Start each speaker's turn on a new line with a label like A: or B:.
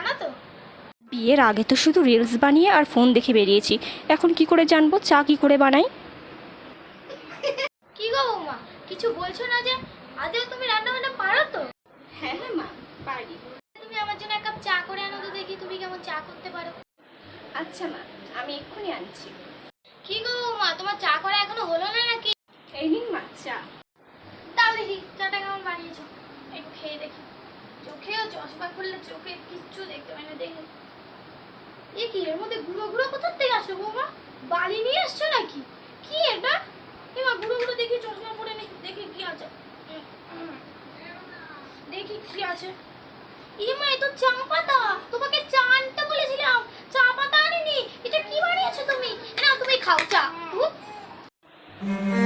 A: জানো তো?
B: বিয়ের আগে তো শুধু রিলস বানিয়ে আর ফোন দেখে বেরিয়েছি, এখন কি করে জানবো চা কি করে বানাই?
A: কি গো বৌমা, কিছু বলছো না যে? আদেও তুমি রান্না বান্না পারো তো?
B: হ্যাঁ হ্যাঁ মা, পারি।
A: তুমি আমার জন্য এক কাপ চা করে আনো তো, দেখি তুমি কেমন চা করতে পারো।
B: আচ্ছা মা, আমি এক্ষুনি আনছি।
A: কি গো বৌমা, তোমার চা করা এখনো হলো না নাকি?
B: এই নিন মা চা।
A: তাও দেখি চাটা কেমন বানিয়েছো, একটু খেয়ে দেখি। চোখেও চশমা খুললে চোখে কিচ্ছু দেখতে পাই না, দেখে। এ কি, এর মধ্যে গুঁড়ো গুঁড়ো কোথা থেকে আসলো বৌমা? বালি নিয়ে আসছো নাকি? কি এটা? এবার গুঁড়ো গুঁড়ো দেখি, চশমা পরে দেখি কি আছে। দেখি কি আছে। ইমা, এ তো চা পাতা। তোমাকে চা আনতে বলেছিলাম, চা পাতা আনিনি। এটা কি বানিয়েছো তুমি? না, তুমি খাও চা।